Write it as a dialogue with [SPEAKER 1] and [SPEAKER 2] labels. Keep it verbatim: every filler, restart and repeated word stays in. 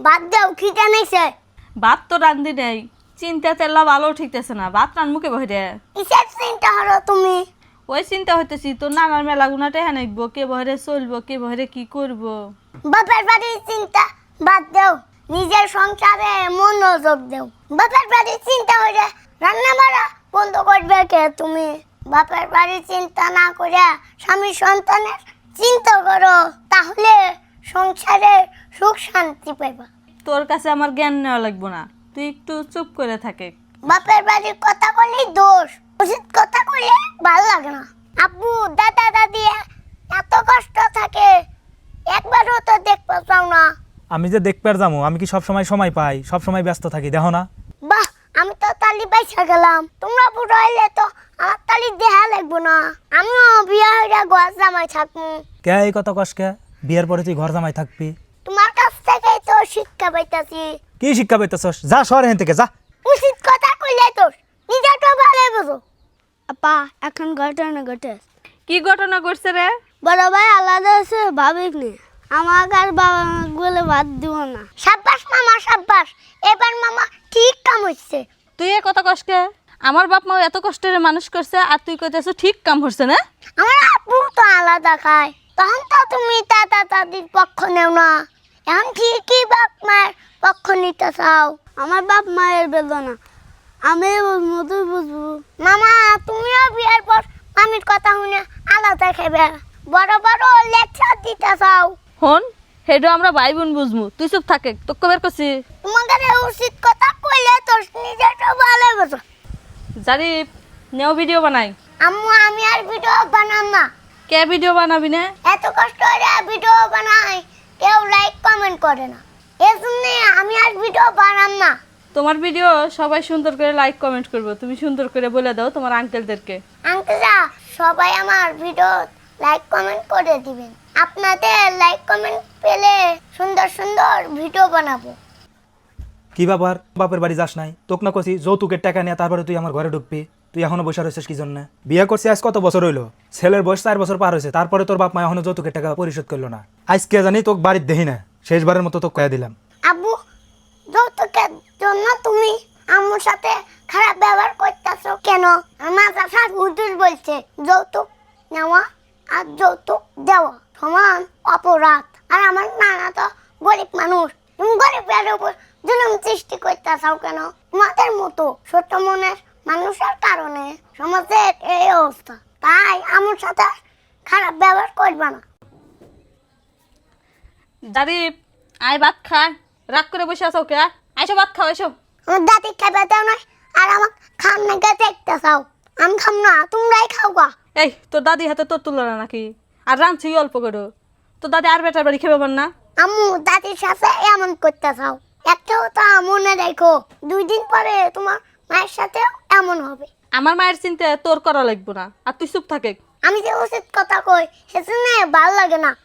[SPEAKER 1] বাদ দাও কি জানাইছে
[SPEAKER 2] ভাত তো রান্ধি নেই চিন্তা তেলা ভালো ঠিকতেছে না ভাত রান মুখে বহে রে
[SPEAKER 1] কিসের চিন্তা হলো তুমি
[SPEAKER 2] ওই চিন্তা হইতেছি তোর নানার মেলা গুনাতে হ্যাঁ নাকবো কে বহরে চলবো কে বহরে কি করবো
[SPEAKER 1] বাপের বাড়ির চিন্তা বাদ দাও নিজের সংসারে মনোযোগ দাও বাপের বাড়ির চিন্তা হইলে রান্না বাড়া বন্ধ করবে কে তুমি বাপের বাড়ির চিন্তা না করে স্বামী সন্তানের চিন্তা করো তাহলে সংসারে সুখ শান্তি পাইবা
[SPEAKER 2] তোর কাছে আমার জ্ঞান নেওয়া লাগবো না তুই একটু চুপ করে থাকে
[SPEAKER 1] বাপের বাড়ির কথা বললেই দোষ উচিত কথা কইলে ভালো লাগে না আব্বু দাদা দাদি এত কষ্ট থাকে একবারও তো দেখতে চাও না
[SPEAKER 3] আমি যে দেখতে যাবো আমি কি সব সময় সময় পাই সব সময় ব্যস্ত থাকি দেখো না
[SPEAKER 1] বাহ আমি তো তালি পাইছা গেলাম তোমরা বুড়ো হইলে তো আমার তালি দেহা লাগবো না আমিও বিয়া হইয়া গোয়া জামাই থাকবো
[SPEAKER 3] কে এই কথা কস কে বিয়ের পরে তুই ঘর জামাই থাকবি
[SPEAKER 1] তোমার কাছ থেকেই তো শিক্ষা পাইতাছি
[SPEAKER 3] কি শিক্ষা পেতেছস যা শহর হেন থেকে যা
[SPEAKER 1] উচিত কথা কইলে তো নিজেটা ভালো বুঝো আপা এখন ঘটনা ঘটে
[SPEAKER 2] কি ঘটনা করছে রে
[SPEAKER 1] বড় ভাই আলাদা আছে ভাবিক নে আমাকে আর বাবা বলে বাদ দিব না সাব্বাস মামা সাব্বাস এবার মামা ঠিক কাম হচ্ছে
[SPEAKER 2] তুই এ কথা কষ্টে আমার বাপ মা এত কষ্টের মানুষ করছে আর তুই কইতেছ ঠিক কাম হচ্ছে না
[SPEAKER 1] আমার আপু তো আলাদা খায় তখন তো তুমি দাদা দাদির পক্ষ নেও না এখন ঠিকই বাপ মায়ের পক্ষ নিতে চাও আমার বাপ মায়ের বেদনা আমি বুঝবো তুই বুঝবো মামা তুমিও বিয়ের পর মামির কথা শুনে আলাদা খেবে বড় বড় লেকচার দিতে চাও
[SPEAKER 2] হন হেডো আমরা ভাই বোন বুঝমু তুই চুপ থাকে তোকে বের করছি
[SPEAKER 1] তোমাদের উচিত কথা কইলে তো নিজেটা ভালো বুঝো
[SPEAKER 2] জারি নেও ভিডিও বানাই
[SPEAKER 1] আম্মু আমি আর ভিডিও বানাম না
[SPEAKER 2] কে ভিডিও বানাবি না
[SPEAKER 1] এত কষ্ট করে ভিডিও বানাই কেউ লাইক কমেন্ট করে না এজন্য আমি আর ভিডিও বানাম না
[SPEAKER 2] তোমার ভিডিও সবাই সুন্দর করে লাইক কমেন্ট করবো তুমি সুন্দর করে বলে দাও তোমার আঙ্কেলদেরকে
[SPEAKER 1] আঙ্কেলরা সবাই আমার ভিডিও লাইক কমেন্ট করে দিবেন আপনাদের লাইক কমেন্ট পেলে সুন্দর সুন্দর ভিডিও বানাবো
[SPEAKER 3] কি ব্যাপার বাপের বাড়ি যাস নাই তোক না কছি যৌতুকের টাকা নিয়ে তারপরে তুই আমার ঘরে ঢুকবি তুই এখনো বসে রয়েছিস কি জন্য বিয়ে করছি আজ কত বছর হইলো ছেলের বয়স চার বছর পার হয়েছে তারপরে তোর বাপ মা এখনো যৌতুকের টাকা পরিশোধ করলো না আজকে জানি তোকে বাড়ির দেখি না শেষবারের মতো তোকে কয়ে দিলাম
[SPEAKER 1] আব্বু যৌতুকের জন্য তুমি আম্মুর সাথে খারাপ ব্যবহার করতেছো কেন আমার চাচা হুজুর বলছে যৌতুক নেওয়া আর যৌতুক দেওয়া সমান অপরাধ আর আমার নানা তো গরিব মানুষ তুমি গরিবের উপর জুলুম সৃষ্টি করতেছাও কেন তোমাদের মতো ছোট মনের মানুষের কারণে সমাজের এই অবস্থা তাই আমার সাথে খারাপ ব্যবহার করবে না
[SPEAKER 2] জারি আয় ভাত খা রাগ করে বসে আছো কে আইসো ভাত খাও এসো
[SPEAKER 1] আমার দাদি খাইবে দেও না আর আমার খাম নাকি দেখতে চাও আমি খাম না তোমরাই খাও গা
[SPEAKER 2] এই তোর দাদি হাতে তোর তুলো না নাকি আর রাঁধছি অল্প করে তোর দাদি আর বেটার বাড়ি খেবে না
[SPEAKER 1] আম্মু দাদির সাথে এমন করতে চাও একটা কথা মনে রেখো দুই দিন পরে তোমার মায়ের সাথে এমন হবে
[SPEAKER 2] আমার মায়ের চিন্তা তোর করা লাগবে না আর তুই চুপ থাকে
[SPEAKER 1] আমি যে উচিত কথা কই সেজন্য ভালো লাগে না